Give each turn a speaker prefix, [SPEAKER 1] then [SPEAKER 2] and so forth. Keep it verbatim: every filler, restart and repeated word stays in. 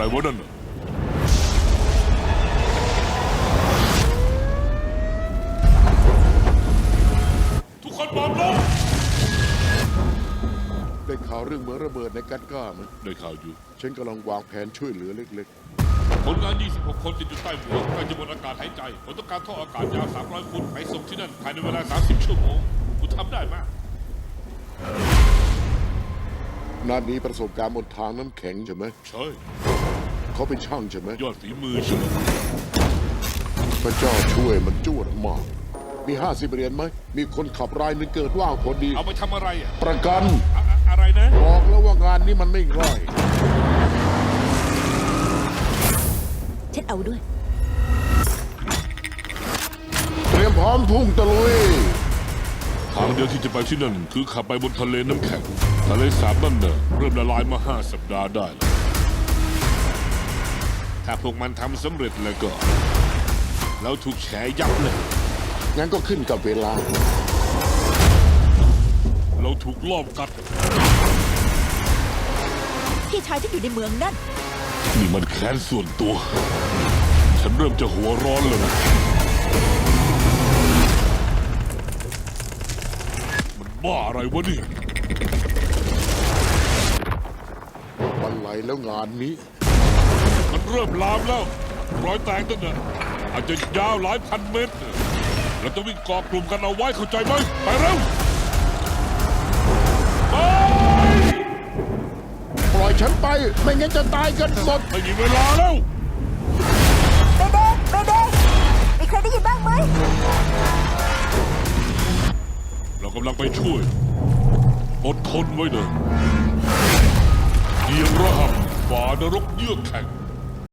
[SPEAKER 1] วะนั่นน่ะทุกคนปลอมลง
[SPEAKER 2] ได้ข่าวเรื่องเหมืองระเบิดในกัดก้าไหม
[SPEAKER 1] ได้ข่าวอยู่
[SPEAKER 2] ฉันกำลังวางแผนช่วยเหลือเล็ก
[SPEAKER 1] คนงาน ยี่สิบหก คนติดอยู่ใต้เหมืองใกล้จะหมดอากาศหายใจผมต้องการท่ออากาศยาว สามร้อย ฟุตไปส่งที่นั่นภายในเวลา สามสิบ ชั่วโมงคุณทำได้ไหม
[SPEAKER 2] ๆนานี้ประสบการณ์บนทางน้ำแข็งใช่ไหม
[SPEAKER 1] ใช่
[SPEAKER 2] เขาเป็นช่างใช่ไหม
[SPEAKER 1] ยอดฝีมือใช่ไหม
[SPEAKER 2] พระเจ้าช่วยมันจวดมาก มีห้าสิบเหรียญไหม มีคนขับรายหนึงเกิดว่างพอดี
[SPEAKER 1] เอาไปทำอะไรอ่ะ
[SPEAKER 2] ประกัน
[SPEAKER 1] อะอะอะไรนะ
[SPEAKER 2] บอกแล้วว่างานนี้มันไม่ง่าย
[SPEAKER 3] ฉันเอาด้วย
[SPEAKER 2] เตรียมพร้อมพุ่งตะลุย
[SPEAKER 1] ทางเดียวที่จะไปที่นั่นคือขับไปบนทะเลน้ำแข็งทะเลสาบนั่นเน่ะเริ่มละลายมาห้าสัปดาห์ได้แล้วถ้าพวกมันทำสำเร็จแล้วก็เราถูกแฉยับเลย
[SPEAKER 2] งั้นก็ขึ้นกับเวลา
[SPEAKER 1] เราถูกลอบกัด
[SPEAKER 3] พี่ชายฉันอยู่ในเมืองนั่น
[SPEAKER 1] นี่มันแค้นส่วนตัว ฉันเริ่มจะหัวร้อนแล้วนะมันบ้าอะไรวะเนี่ย
[SPEAKER 2] วันไหลแล้วงานนี้
[SPEAKER 1] มันเริ่มลามแล้ว รอยแตกตั้งแต่อาจจะยาวหลายพันเมตร เราจะวิ่งเกาะกลุ่มกันเอาไว้เข้าใจไหมไปเร็วไป
[SPEAKER 2] ปล่อยฉันไป ไม่งั้นจะตายกันหมด
[SPEAKER 1] ไม่มีเวลาแล้ว
[SPEAKER 3] เบเบ้เบเบ้มีใครได้ยินบ้างไหม
[SPEAKER 1] เรากำลังไปช่วย อดทนไว้เถอะเดียงระหับฝ่านรกเยือกแข็ง